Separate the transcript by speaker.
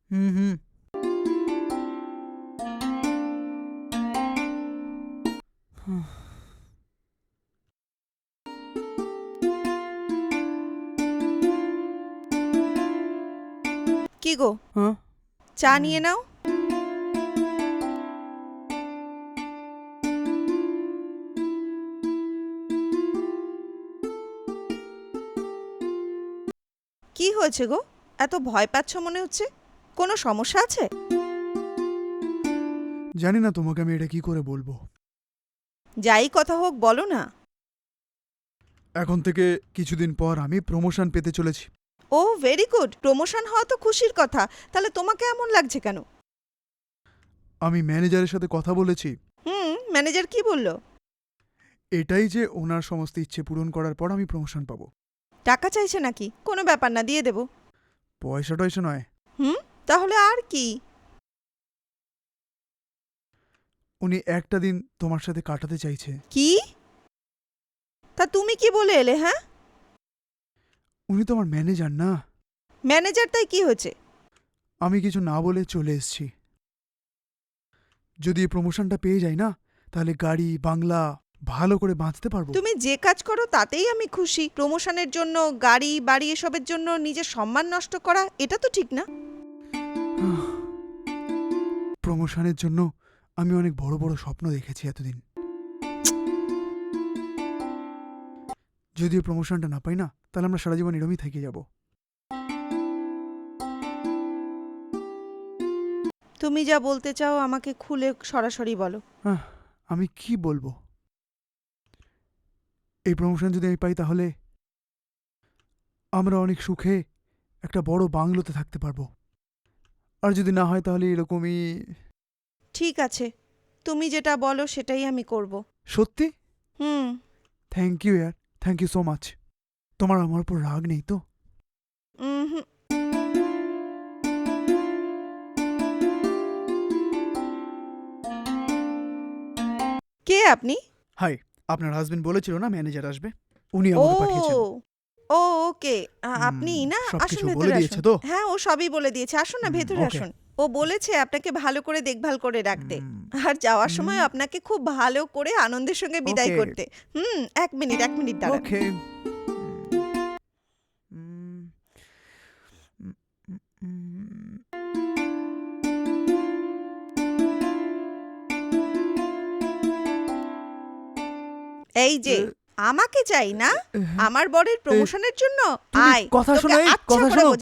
Speaker 1: হুম হুম।
Speaker 2: কি গো,
Speaker 1: হ্যাঁ
Speaker 2: চা নিয়ে নাও। কি হয়েছে গো, এত ভয় পাচ্ছ মনে হচ্ছে? কোনো সমস্যা আছে?
Speaker 1: জানি না তোমাকে আমি এটা কি করে বলবো।
Speaker 2: যাই কথা হোক বলো না।
Speaker 1: এখন থেকে কিছুদিন পর আমি প্রমোশন পেতে চলেছি।
Speaker 2: ও ভেরি গুড, প্রমোশন হওয়া তো খুশির কথা। তাহলে তোমাকে এমন লাগছে কেন?
Speaker 1: আমি ম্যানেজারের সাথে কথা বলেছি।
Speaker 2: ম্যানেজার কি বলল?
Speaker 1: এটাই যে ওনার সমস্ত ইচ্ছে পূরণ করার পর আমি প্রমোশন পাবো।
Speaker 2: টাকা চাইছে নাকি? কোনো ব্যাপার না, দিয়ে দেবো।
Speaker 1: পয়সা টয়সা নয়।
Speaker 2: হুম, তাহলে আর কি?
Speaker 1: উনি একটা দিন তোমার সাথে কাটাতে চাইছে।
Speaker 2: কি? তা তুমি কি বলে এলে? হ্যাঁ,
Speaker 1: উনি তো আমার ম্যানেজার না।
Speaker 2: ম্যানেজার তাই কি হয়েছে?
Speaker 1: আমি কিছু না বলে চলে এসেছি। যদি এই প্রমোশনটা পেয়ে যাই না, তাহলে গাড়ি বাংলা ভালো করে বাঁচতে পারবো।
Speaker 2: তুমি যে কাজ করো তাতেই আমি খুশি। প্রমোশনের জন্য গাড়ি বাড়ি এসবের জন্য নিজের সম্মান নষ্ট করা, এটা তো ঠিক না।
Speaker 1: প্রমোশনের জন্য আমি অনেক বড় বড় স্বপ্ন দেখেছি এতদিন। যদি এই প্রমোশনটা না পাই না, তাহলে আমরা সারা জীবন এরমই থেকে যাব।
Speaker 2: তুমি যা বলতে চাও আমাকে খুলে সরাসরি বলো।
Speaker 1: আমি কি বলবো? এই প্রমোশন যদি আমি পাই তাহলে আমরা অনেক সুখে একটা বড় বাংলোতে থাকতে পারবো। আর যদি না হয় তাহলে এরকমই।
Speaker 2: ঠিক আছে, তুমি যেটা বলো সেটাই আমি করব।
Speaker 1: সত্যি?
Speaker 2: হুম।
Speaker 1: থ্যাংক ইউ ইয়ার, থ্যাংক ইউ সো মাচ। তোমার আমার উপর রাগ নেই তো?
Speaker 2: হুম। কে আপনি?
Speaker 1: হাই, আপনার হাজবেন্ড বলেছিল না ম্যানেজার আসবে, উনি
Speaker 2: ও,
Speaker 1: আমাকে পাঠিয়েছেন।
Speaker 2: ও ওকে। আপনি না, আসুন
Speaker 1: সবকিছু বলে
Speaker 2: ভেতরে
Speaker 1: দিয়েছে
Speaker 2: আসুন।
Speaker 1: তো?
Speaker 2: হ্যাঁ, ও সবই বলে দিয়েছে। আসুন না, ভেতরে
Speaker 1: ওকে।
Speaker 2: আসুন। ও বলেছে আপনাকে ভালো করে দেখভাল করে রাখতে, আর যাওয়ার সময় আপনাকে খুব ভালো করে আনন্দের সঙ্গে বিদায়
Speaker 1: ওকে
Speaker 2: করতে। এক মিনিট, এক মিনিট দাঁড়ান।
Speaker 1: ওকে।
Speaker 2: এই যে, আমাকে চাই না, আমার বরের প্রমোশনের জন্য
Speaker 1: তুমি
Speaker 2: আয়,
Speaker 1: কথা
Speaker 2: তোকে
Speaker 1: শোনো, এই
Speaker 2: আচ্ছা
Speaker 1: কথা
Speaker 2: করে
Speaker 1: শোনো।